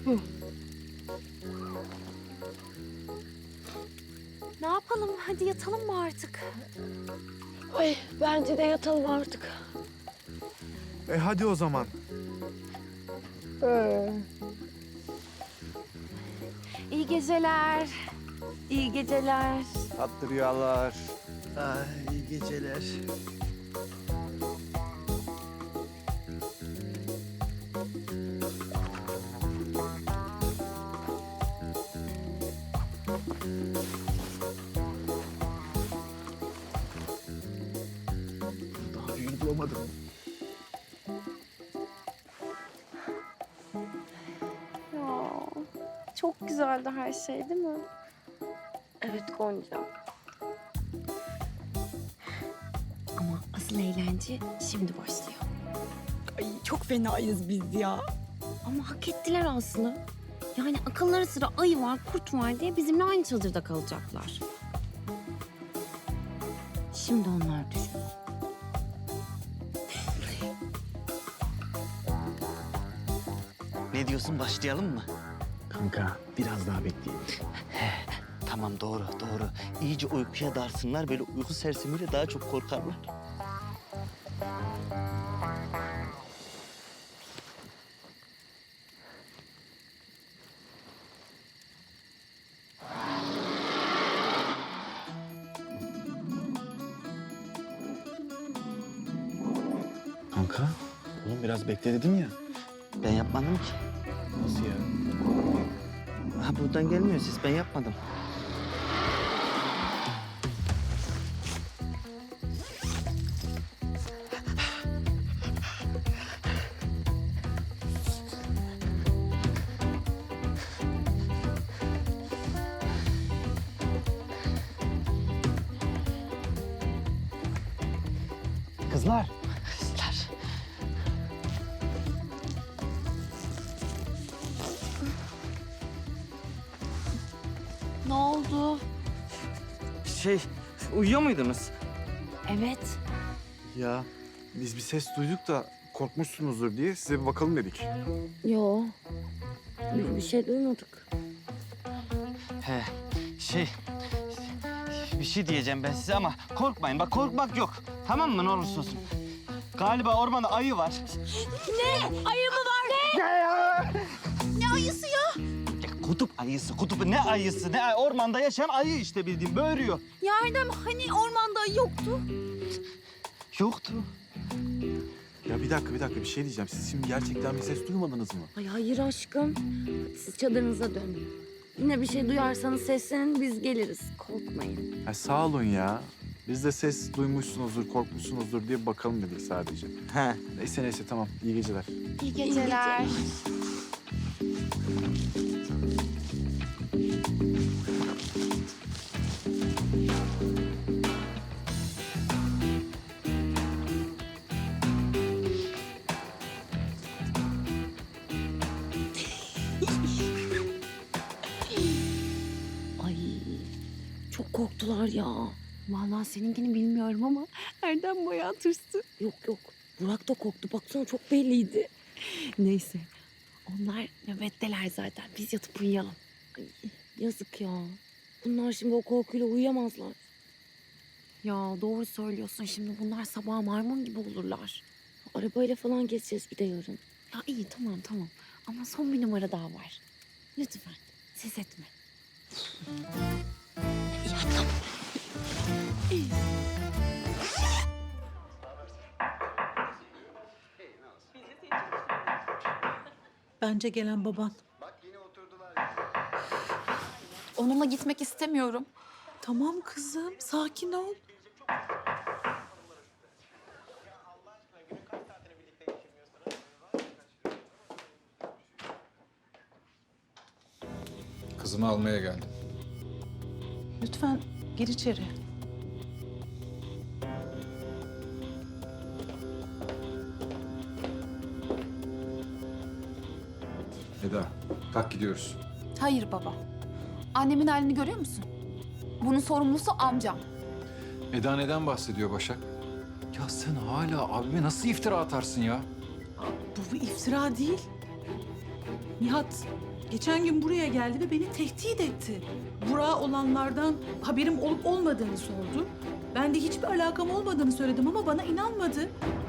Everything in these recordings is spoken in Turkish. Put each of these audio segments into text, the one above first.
Ne yapalım? Hadi yatalım mı artık? Ay bence de yatalım artık. Hadi o zaman. İyi geceler. İyi geceler. Tatlı rüyalar. Ay, iyi geceler. Daha büyüğünü bulamadım. Ya, çok güzeldi her şey değil mi? Evet Gonca. Ama asıl eğlence şimdi başlıyor. Ay çok fenayız biz ya. Ama hak ettiler Aslı. Yani akılları sıra ayı var, kurt var diye bizimle aynı çadırda kalacaklar. Şimdi onlar düşün. Ne diyorsun, başlayalım mı? Kanka biraz daha bekleyelim. Tamam, doğru. İyice uykuya darsınlar, böyle uyku sersemiyle daha çok korkarlar. Kanka, oğlum biraz bekle dedim ya. Ben yapmadım ki. Nasıl ya? Ha, buradan gelmiyor ses, ben yapmadım. Kızlar. Kızlar. Ne oldu? Uyuyor muydunuz? Evet. Ya biz bir ses duyduk da korkmuşsunuzdur diye size bir bakalım dedik. Yo. Biz bir şey duymadık. He, bir şey diyeceğim ben size ama korkmayın. Bak, korkmak yok. Tamam mı, ne olursa olsun. Galiba ormanda ayı var. Ayı mı var? Ne ayısı ya? Ya, kutup ayısı, ne ayısı? Ormanda yaşayan ayı işte, bildiğin böğürüyor. Ya Erdem hani ormanda ayı yoktu? Yoktu. Ya bir dakika bir şey diyeceğim. Siz şimdi gerçekten bir ses duymadınız mı? Ay hayır aşkım. Siz çadırınıza dönün. Yine bir şey duyarsanız seslenin biz geliriz. Korkmayın. Ha, sağ olun ya. Biz de ses duymuşsunuzdur, korkmuşsunuzdur diye bakalım dedik sadece. He. Neyse tamam. İyi geceler. İyi geceler. Ay çok korktular ya. Vallahi seninkini bilmiyorum ama Erdem bayağı tırstı. Yok. Burak da korktu. Baksana çok belliydi. Neyse. Onlar nöbetteler zaten. Biz yatıp uyuyalım. Ay, yazık ya. Bunlar şimdi o korkuyla uyuyamazlar. Ya doğru söylüyorsun. Şimdi bunlar sabah maymun gibi olurlar. Arabayla falan geçeceğiz bir de yarın. Ya iyi tamam. Ama son bir numara daha var. Lütfen ses etme. Bence gelen baban. Onunla gitmek istemiyorum. Tamam kızım sakin ol. Kızımı almaya geldim. Lütfen gir içeri. Eda, kalk gidiyoruz. Hayır baba. Annemin halini görüyor musun? Bunun sorumlusu amcam. Eda neden bahsediyor Başak? Ya sen hala abime nasıl iftira atarsın ya? Bu bir iftira değil. Nihat Geçen gün buraya geldi ve beni tehdit etti. Burak'a olanlardan haberim olup olmadığını sordu. Ben de hiçbir alakam olmadığını söyledim ama bana inanmadı.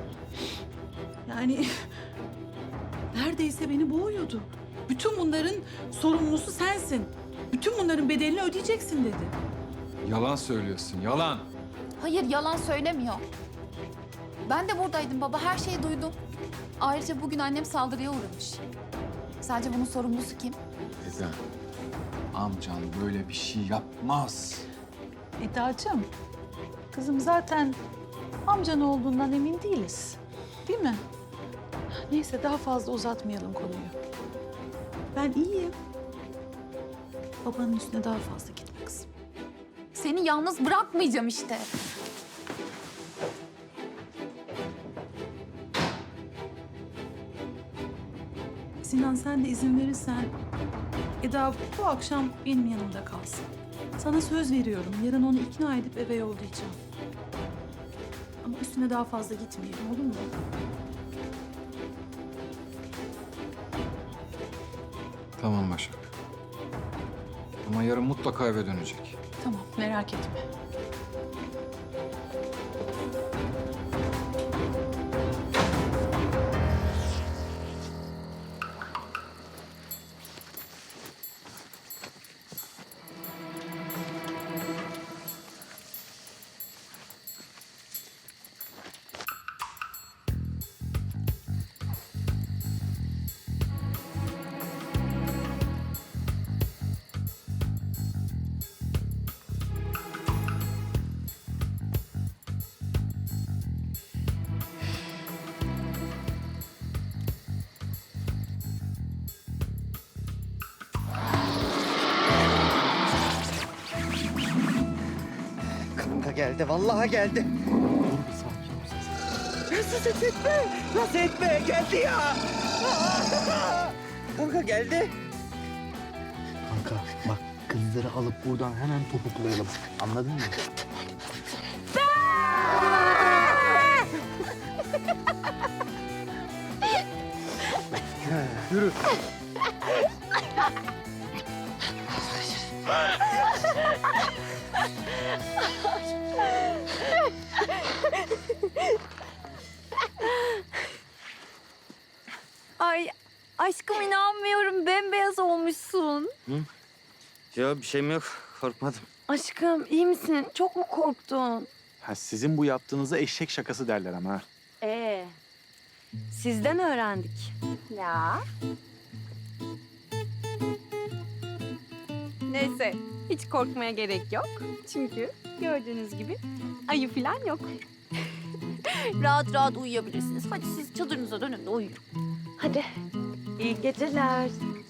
Yani neredeyse beni boğuyordu. Bütün bunların sorumlusu sensin. Bütün bunların bedelini ödeyeceksin dedi. Yalan söylüyorsun, yalan. Hayır, yalan söylemiyor. Ben de buradaydım baba, her şeyi duydum. Ayrıca bugün annem saldırıya uğramış. Sadece bunun sorumlusu kim? Eda, amcan böyle bir şey yapmaz. Eda'cığım, kızım zaten amcan olduğundan emin değiliz. Değil mi? Neyse daha fazla uzatmayalım konuyu. Ben iyiyim. Babanın üstüne daha fazla gitme kızım. Seni yalnız bırakmayacağım işte. Sinan sen de izin verirsen Eda bu akşam benim yanımda kalsın. Sana söz veriyorum. Yarın onu ikna edip eve yollayacağım. Ama üstüne daha fazla gitmeyelim olur mu? Tamam Başak. Ama yarın mutlaka eve dönecek. Tamam merak etme. Kanka geldi, vallahi geldi. Nasıl ses etme? Nasıl etme? Geldi ya. Kanka geldi. Kanka bak kızları alıp buradan hemen topuklayalım. Anladın mı? Yürü. Ay aşkım inanmıyorum. Bembeyaz olmuşsun. Ya bir şeyim yok. Korkmadım. Aşkım iyi misin? Çok mu korktun? Ha, sizin bu yaptığınıza eşek şakası derler ama ha. Sizden öğrendik. Ya. Neyse, hiç korkmaya gerek yok. Çünkü gördüğünüz gibi ayı falan yok. rahat rahat uyuyabilirsiniz. Hadi siz çadırınıza dönün de uyuyun. Hadi. İyi geceler.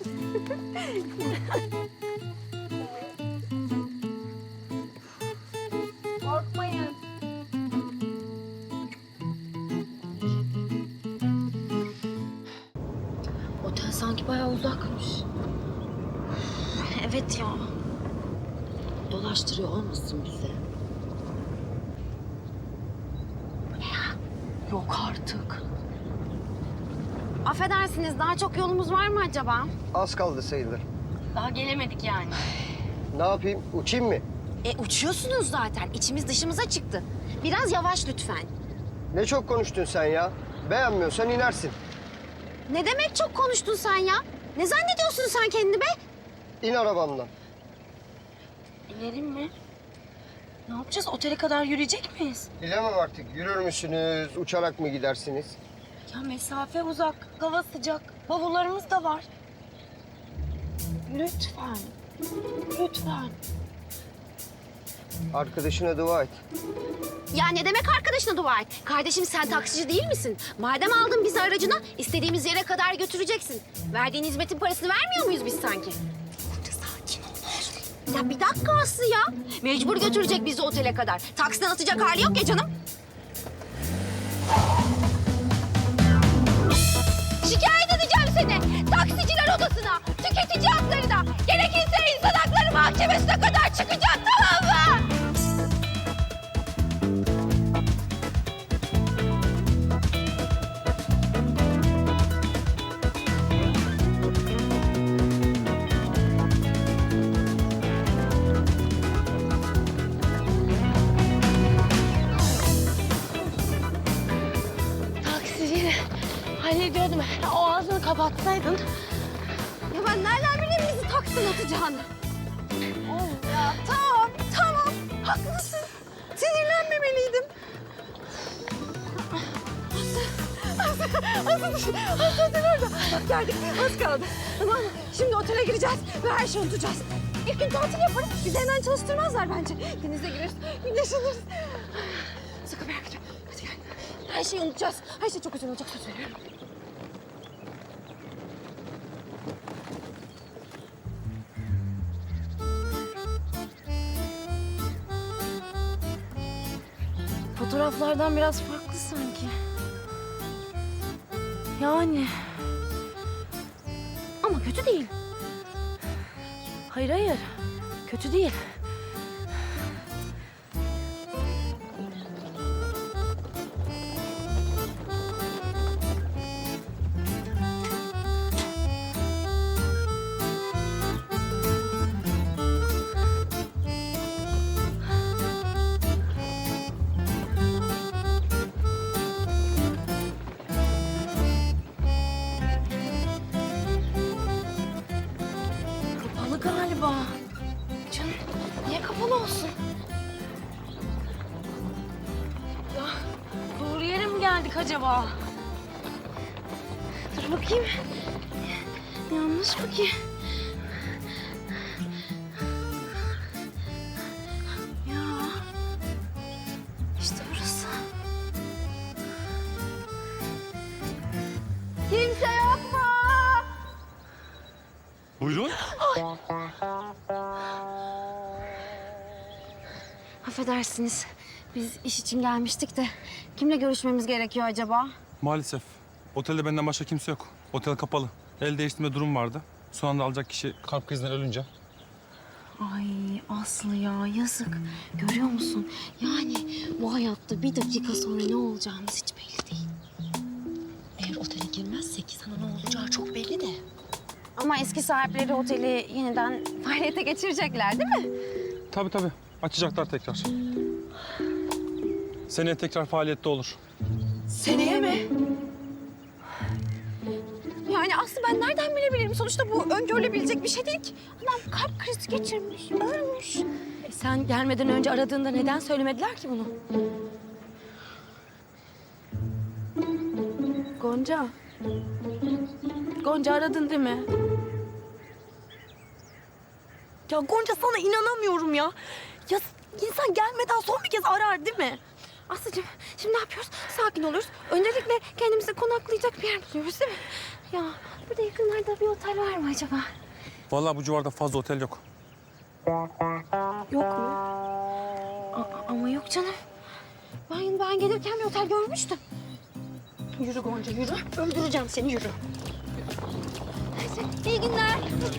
Korkmayın. Otel sanki bayağı uzakmış. Evet ya. Dolaştırıyor olmasın bizi? Bu ne ya? Yok artık. Affedersiniz, daha çok yolumuz var mı acaba? Az kaldı sayılır. Daha gelemedik yani. Ne yapayım? Uçayım mı? Uçuyorsunuz zaten. İçimiz dışımıza çıktı. Biraz yavaş lütfen. Ne çok konuştun sen ya. Beğenmiyorsan inersin. Ne demek çok konuştun sen ya? Ne zannediyorsun sen kendini be? İn arabamdan. İnelim mi? Ne yapacağız? Otele kadar yürüyecek miyiz? Bilemem artık. Yürür müsünüz? Uçarak mı gidersiniz? Ya mesafe uzak, hava sıcak, bavullarımız da var. Lütfen, lütfen. Arkadaşına dua et. Ya ne demek arkadaşına dua et? Kardeşim sen taksici değil misin? Madem aldın bizi aracına, istediğimiz yere kadar götüreceksin. Verdiğin hizmetin parasını vermiyor muyuz biz sanki? Burada sakin ol ne olur. Ya bir dakika Aslı ya. Mecbur götürecek bizi otele kadar. Taksiden atacak hali yok ya canım. Şikayet edeceğim seni. Taksiciler odasına, tüketici haklarına, gerekirse insan hakları mahkemesine kadar çıkacağım, tamam mı? Hallediyordum. O ağzını kapatsaydın. Ya ben nereden bileyim bizi taksiden atacağını? Oh ya tamam. Haklısın. Sinirlenmemeliydim. Aslı orada. Geldik. Az kaldı. Tamam mı? Şimdi otele gireceğiz ve her şeyi unutacağız. İlk gün tatil yaparız. Bizi hemen çalıştırmazlar bence. Denize gireriz, güneşleniriz. Sakın merak etme. Hadi gel. Her şeyi unutacağız. Her şey çok güzel olacak, söz veriyorum. Fotoğraflardan biraz farklı sanki. Yani. Ama kötü değil. Hayır. Kötü değil. Kapalı galiba. Canım niye kapalı olsun? Doğru yere mi geldik acaba? Dur bakayım. Yanlış mı ki? Ya. İşte burası. Kimse yok mu? Buyurun. Affedersiniz. Biz iş için gelmiştik de kimle görüşmemiz gerekiyor acaba? Maalesef. Otelde benden başka kimse yok. Otel kapalı. El değiştirme durum vardı. Son anda alacak kişi kalp krizinden ölünce. Ay Aslı ya yazık. Görüyor musun? Yani bu hayatta bir dakika sonra ne olacağımız hiç belli değil. Eğer otele girmezsek sana ne olacağı çok belli de. Ama eski sahipleri oteli yeniden faaliyete geçirecekler değil mi? Tabii. Açacaklar tekrar. Seneye tekrar faaliyette olur. Seneye mi? Yani Aslı ben nereden bilebilirim? Sonuçta bu öngörülebilecek bir şey değil ki. Adam kalp krizi geçirmiş, ölmüş. Sen gelmeden önce aradığında neden söylemediler ki bunu? Gonca. Gonca aradın değil mi? Ya Gonca sana inanamıyorum ya. Ya insan gelmeden son bir kez arar değil mi? Aslıcığım şimdi ne yapıyoruz? Sakin oluyoruz. Öncelikle kendimize konaklayacak bir yer buluyoruz değil mi? Ya burada yakınlarda bir otel var mı acaba? Vallahi bu civarda fazla otel yok. Yok mu? Ama yok canım. Ben gelirken bir otel görmüştüm. Yürü Gonca yürü. Öldüreceğim seni yürü. Neyse iyi günler.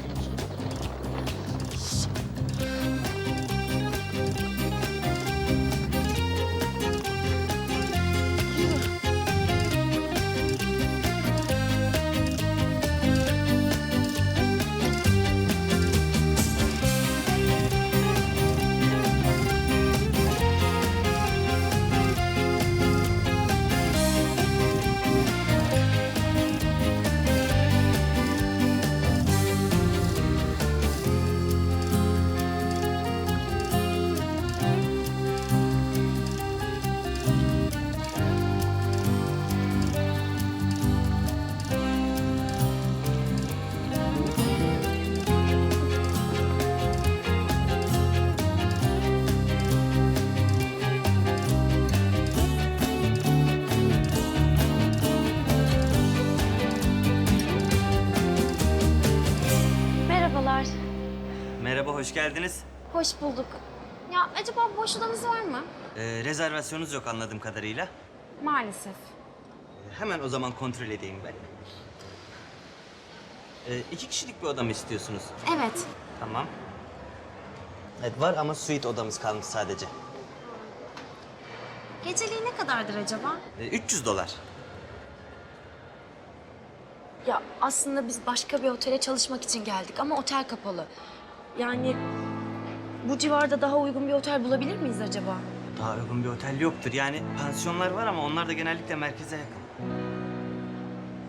Merhabalar. Merhaba, hoş geldiniz. Hoş bulduk. Ya acaba boş odanız var mı? Rezervasyonunuz yok anladığım kadarıyla. Maalesef. Hemen o zaman kontrol edeyim ben. 2 kişilik bir oda mı istiyorsunuz? Evet. Tamam. Evet var ama suite odamız kalmış sadece. Geceliği ne kadardır acaba? $300. Ya aslında biz başka bir otele çalışmak için geldik ama otel kapalı. Yani bu civarda daha uygun bir otel bulabilir miyiz acaba? Daha uygun bir otel yoktur. Yani pansiyonlar var ama onlar da genellikle merkeze yakın.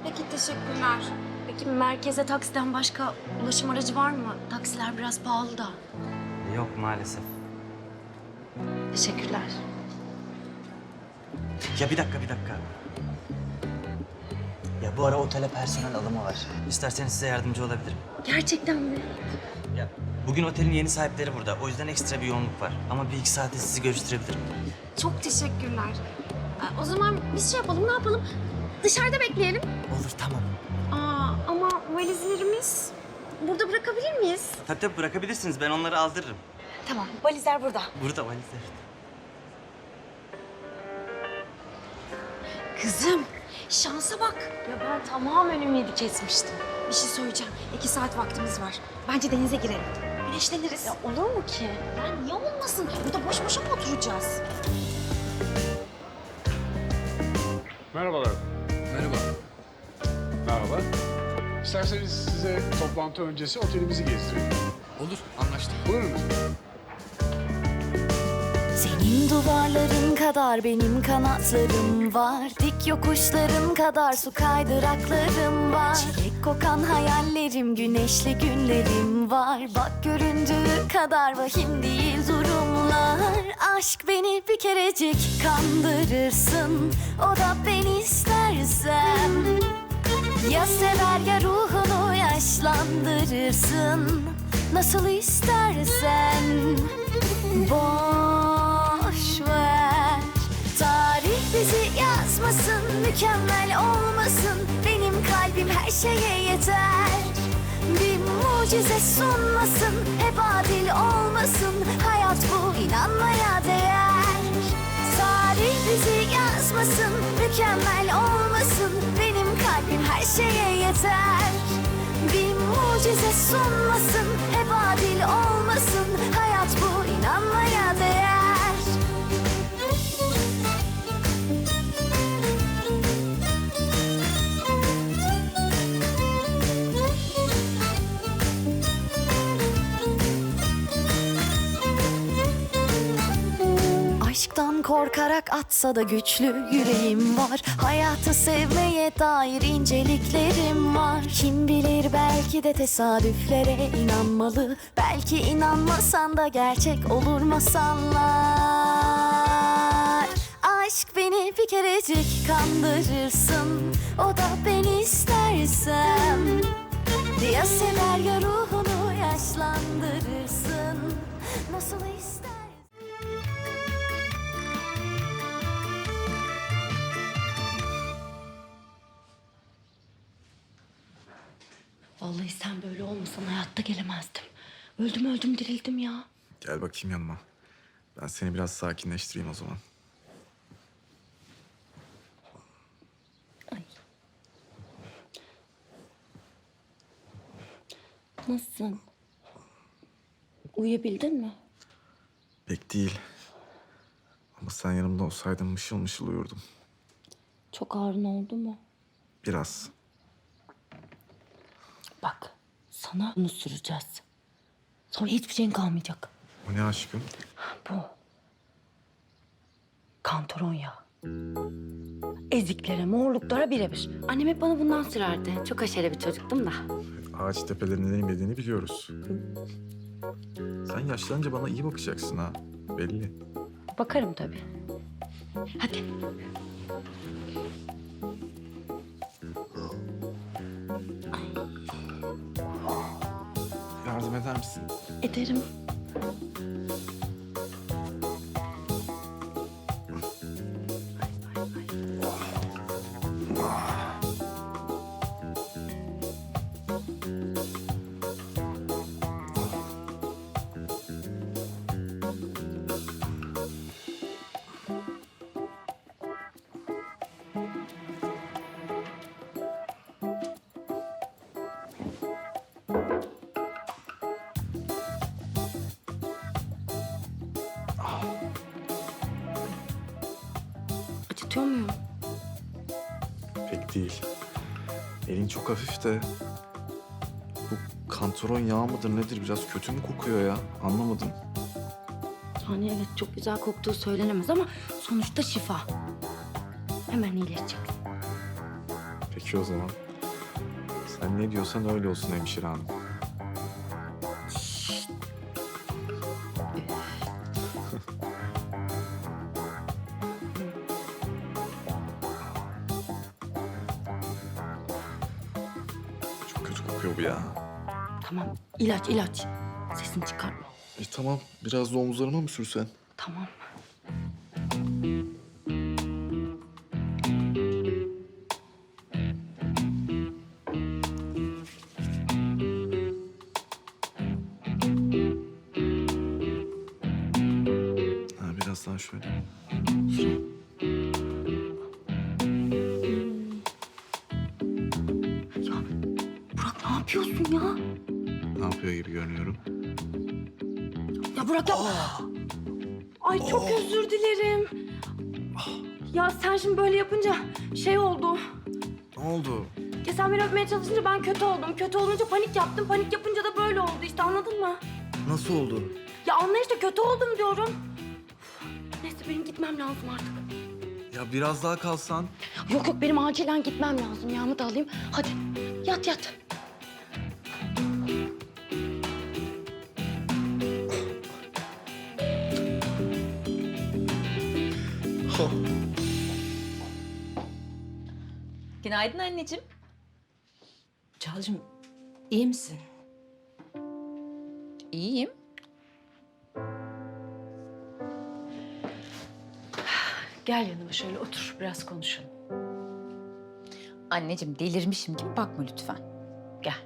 Peki teşekkürler. Peki merkeze taksiden başka ulaşım aracı var mı? Taksiler biraz pahalı da. Yok maalesef. Teşekkürler. Ya bir dakika. Ya bu ara otele personel alımı var. İsterseniz size yardımcı olabilirim. Gerçekten mi? Ya bugün otelin yeni sahipleri burada. O yüzden ekstra bir yoğunluk var. Ama bir iki saate sizi görüştürebilirim. Çok teşekkürler. O zaman biz şey yapalım, ne yapalım? Dışarıda bekleyelim. Olur tamam. Ama valizlerimiz burada bırakabilir miyiz? Tabii bırakabilirsiniz. Ben onları aldırırım. Tamam, valizler burada. Burada valizler. Kızım, şansa bak. Ya ben tamamen ümidi kesmiştim. Bir şey söyleyeceğim. 2 saat vaktimiz var. Bence denize girelim. Güneşleniriz. Ya olur mu ki? Ya niye olmasın? Burada boş boşa mı oturacağız? Merhabalar. Merhaba. Merhaba. İsterseniz size toplantı öncesi otelimizi gezdireyim. Olur, anlaştık. Buyurunuz. Senin duvarların kadar benim kanatlarım var. Dik yokuşların kadar su kaydıraklarım var. Çilek kokan hayallerim, güneşli günlerim var. Bak göründüğü kadar vahim değil durumlar. Aşk beni bir kerecik kandırırsın, o da ben istersem. Ya sever ya ruhunu yaşlandırırsın, nasıl istersen. Boş ver, tarih bizi yazmasın, mükemmel olmasın. Benim kalbim her şeye yeter. Bir mucize sunmasın, hep adil olmasın. Hayat bu, inanmaya değer. Tarih bizi yazmasın, mükemmel olmasın. Benim kalbim her şeye yeter. Bir mucize sunmasın, hep adil olmasın. Hayat bu, inanmaya değer. Aşktan korkarak atsa da güçlü yüreğim var. Hayatı sevmeye dair inceliklerim var. Kim bilir, belki de tesadüflere inanmalı. Belki inanmasan da gerçek olur masallar. Aşk beni bir kerecik kandırırsın, o da ben istersem. Ya sever ya ruhunu yaşlandırırsın, nasıl istersen. Vallahi sen böyle olmasan hayatta gelemezdim. Öldüm dirildim ya. Gel bakayım yanıma. Ben seni biraz sakinleştireyim o zaman. Nasılsın? Uyuyabildin mi? Pek değil. Ama sen yanımda olsaydın mışıl mışıl uyurdum. Çok ağrın oldu mu? Biraz. Bak, sana bunu süreceğiz. Sonra hiçbir şeyin kalmayacak. O ne aşkım? Bu. Kantaron yağı. Eziklere, morluklara birebir. Annem hep bana bundan sürerdi. Çok aşere bir çocuktum da. Ağaç tepelerinde inmediğini biliyoruz. Sen yaşlanınca bana iyi bakacaksın ha. Belli. Bakarım tabii. Hadi. Yardım eder misin? Ederim. Acıtıyor muyum? Pek değil. Elin çok hafif de... Bu kantaron yağı mıdır nedir? Biraz kötü mü kokuyor ya? Anlamadım. Yani evet, çok güzel koktuğu söylenemez ama sonuçta şifa. Hemen iyileşecek. Peki o zaman. Sen ne diyorsan öyle olsun hemşire hanım. Çok kötü kokuyor bu ya. Tamam, ilaç. Sesini çıkarma. Tamam, biraz da omuzlarıma mı sürsen? Tamam. Ha, biraz daha şöyle. Ya Burak ne yapıyorsun ya? Ne yapıyor gibi görünüyorum? Ya Burak ya... Ay çok özür dilerim. Ya sen şimdi böyle yapınca şey oldu. Ne oldu? Ya sen beni öpmeye çalışınca ben kötü oldum. Kötü olunca panik yaptım. Panik yapınca da böyle oldu işte, anladın mı? Nasıl oldu? Ya anla işte, kötü oldum diyorum. Neyse benim gitmem lazım artık. Ya biraz daha kalsan. Yok benim acilen gitmem lazım. Yağımı da alayım. Hadi yat. Günaydın anneciğim. Çağla'cığım iyi misin? İyiyim. Gel yanıma şöyle otur, biraz konuşalım. Anneciğim delirmişim gibi bakma lütfen. Gel.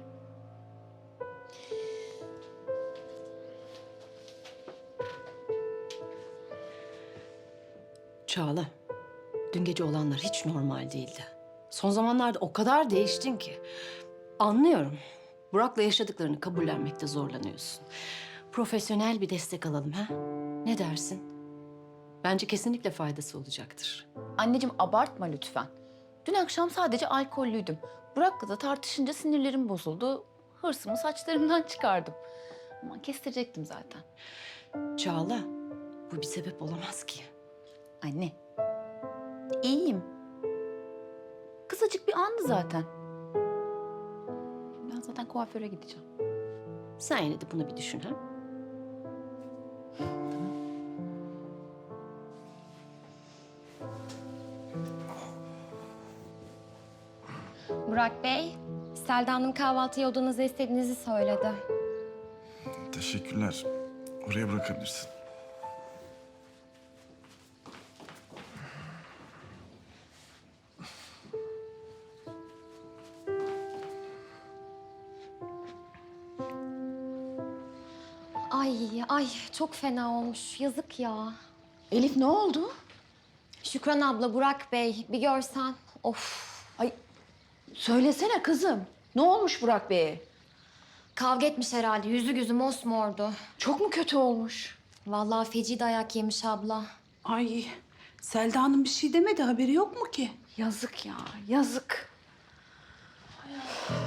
Çağla, dün gece olanlar hiç normal değildi. Son zamanlarda o kadar değiştin ki. Anlıyorum. Burak'la yaşadıklarını kabullenmekte zorlanıyorsun. Profesyonel bir destek alalım ha? Ne dersin? Bence kesinlikle faydası olacaktır. Anneciğim abartma lütfen. Dün akşam sadece alkollüydüm. Burak'la da tartışınca sinirlerim bozuldu. Hırsımı saçlarımdan çıkardım. Ama kestirecektim zaten. Çağla, bu bir sebep olamaz ki. Anne, iyiyim. Kısacık bir andı zaten. Ben zaten kuaföre gideceğim. Sen yine de bunu bir düşün ha? Burak Bey, Selda Hanım kahvaltıya odanızda istediğinizi söyledi. Teşekkürler. Oraya bırakabilirsin. Ay çok fena olmuş. Yazık ya. Elif ne oldu? Şükran abla, Burak Bey bir görsen. Of. Ay söylesene kızım. Ne olmuş Burak Bey'e? Kavga etmiş herhalde. Yüzü gözü mosmordu. Çok mu kötü olmuş? Vallahi feci dayak yemiş abla. Ay Selda Hanım bir şey demedi, haberi yok mu ki? Yazık ya, yazık.